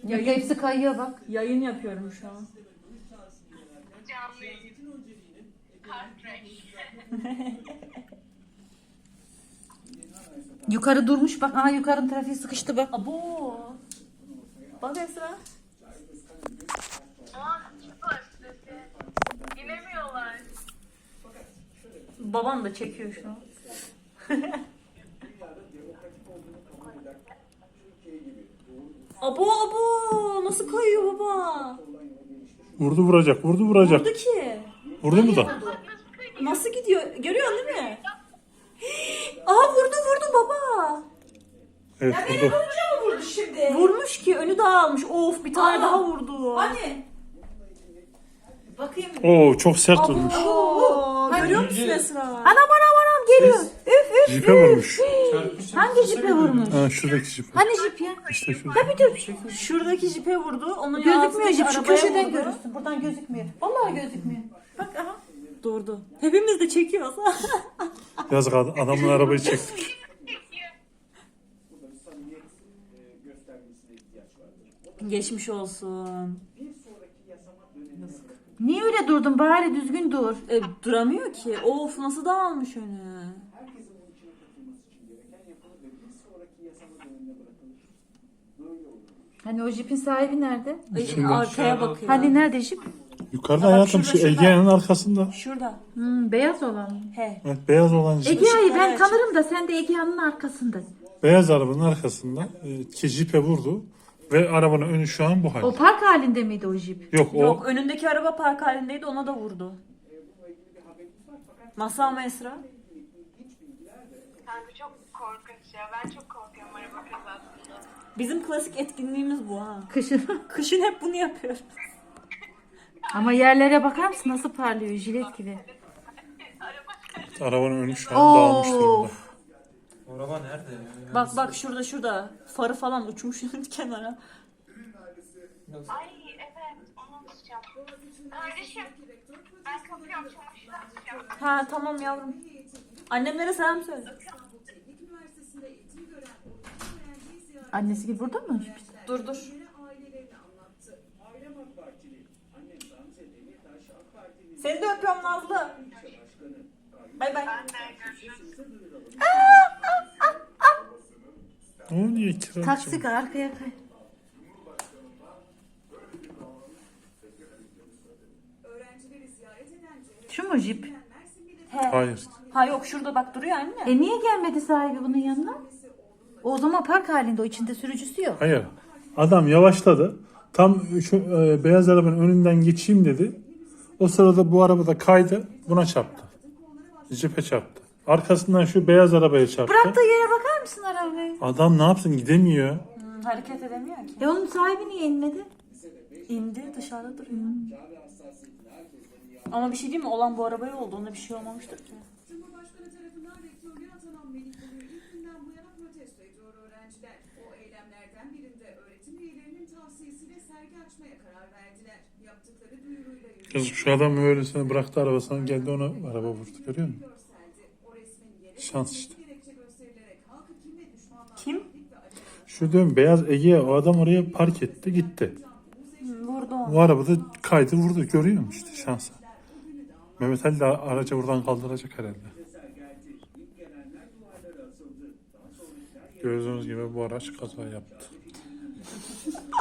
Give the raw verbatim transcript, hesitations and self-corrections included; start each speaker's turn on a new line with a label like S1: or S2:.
S1: Ya hepsi kayıyor bak.
S2: Yayın yapıyorum şu an.
S3: Canlı yayın. Heartbreak.
S1: Yukarı durmuş bak. Aa yukarının trafiği sıkıştı bak.
S2: Abo. Bak Esra.
S3: Aa, çıkıyor sesi. İnemiyorlar.
S2: Babam da çekiyor şu an. Abo abo. Nasıl kayıyor baba?
S4: Vurdu vuracak, vurdu vuracak.
S2: Vurdu ki.
S4: Vurdu mu da?
S2: Nasıl gidiyor? Görüyorsun değil mi? Aa vurdu vurdu baba.
S4: Evet vurdu.
S2: Vurdu şimdi. Vurmuş ki önü dağılmış. Of bir tane daha vurdu.
S1: Hani? Bakayım.
S4: Oo çok sert vurmuş.
S2: Oo, görüyor musun Esra?
S1: Anam anam anam geliyor. Üf üf.
S4: Jipe vurmuş.
S1: Hangi jipe vurmuş?
S4: Ha şuradaki jip.
S1: Hani jip ya?
S4: İşte şurada.
S1: Ya bir dur.
S2: Şuradaki jipe vurdu. Onun
S1: Gözükmüyor
S2: ağzındaki
S1: jip. Şu
S2: arabaya
S1: köşeden
S2: vurdu.
S1: görürsün. Buradan gözükmüyor. Vallahi gözükmüyor. Bak aha.
S2: Durdu. Hepimiz de çekiyoruz.
S4: Yazık ad- adamın arabayı çektik.
S2: Geçmiş olsun.
S1: Niye öyle durdun? Bari düzgün dur.
S2: E, duramıyor ki. Of nasıl dağılmış önü.
S1: Hani o jipin sahibi nerede?
S2: Ay,
S4: İçinde.
S2: arkaya bakıyor.
S1: Hani nerede jip?
S4: Yukarıda
S2: Bak
S4: hayatım
S2: şurada,
S4: şu
S2: şurada.
S4: Ege'nin arkasında.
S2: Şurada.
S1: Hmm, beyaz olan mı?
S2: He.
S4: Evet beyaz olan jip.
S1: Egea'yı ben
S2: Işıkları
S1: tanırım da sen de Egea'nın arkasında.
S4: Beyaz arabanın arkasında e, ki jipe vurdu. Ve arabanın önü şu an bu
S1: O
S4: halde.
S1: park halinde miydi o jip?
S4: Yok o
S2: Yok önündeki araba park halindeydi ona da vurdu. Masal mı Esra?
S3: Kanka çok korkunç ya. Ben çok korkuyorum araba kazasında.
S2: Bizim klasik etkinliğimiz bu ha.
S1: Kışın.
S2: Kışın hep bunu yapıyoruz.
S1: Ama yerlere bakar mısın nasıl parlıyor jilet gibi.
S4: arabanın önü şu an dağılmış durumda.
S1: Of.
S5: Araba nerede ya?
S2: Bak bak şurada şurada. Farı falan uçmuş kenara.
S3: Ay evet. Onu unutacağım. Kardeşim. Ben kapıyorum. Çamaşırı atacağım.
S2: Ha tamam yavrum. Annemlere selam söyle.
S1: Annesi gibi burada mı?
S2: Dur dur. Seni de öpüyorum Nazlı. Bay bay.
S3: Ben de görüşürüz.
S4: O niye kiracı?
S1: Taksi arkaya kay. Şu mu jip?
S2: He.
S4: Hayır.
S2: Ha yok şurada bak duruyor anne.
S1: E niye gelmedi sahibi bunun yanına? O zaman park halinde o içinde sürücüsü yok.
S4: Hayır. Adam yavaşladı. Tam şu e, beyaz arabanın önünden geçeyim dedi. O sırada bu araba da kaydı. Buna çarptı. Jipe çarptı. Arkasından şu beyaz arabaya çarptı.
S1: Bıraktığı yere bakar mısın arabayı?
S4: Adam ne yapsın gidemiyor.
S2: Hmm, hareket edemiyor ki.
S1: E onun sahibi niye inmedi?
S2: İndi dışarıda duruyor. Ama bir şey değil mi? Olan bu arabaya oldu. Ona bir şey olmamıştır ki.
S6: Cumhurbaşkanı tarafından rektörlüğe atanan Melik Bulu'yu ilk günden bu yana protesto ediyor öğrenciler. O eylemlerden birinde öğretim üyelerinin tavsiyesiyle sergi açmaya karar verdiler. Yaptıkları duyuruyla
S4: Kız şu adam öylesine bıraktı arabasını geldi ona araba vurdu görüyor musun?
S6: görseldi. O resmin yere
S4: Şans işte.
S6: gerekçe gösterilerek halkı kim ve düşmanlar
S2: Kim?
S4: Şu diyorum beyaz Ege'ye o adam oraya park etti gitti.
S2: Hmm, vurdu onu.
S4: Bu araba da kaydı vurdu görüyor musun işte şansa. Mehmet Ali de aracı buradan kaldıracak herhalde. Gördüğünüz gibi bu araç kaza yaptı.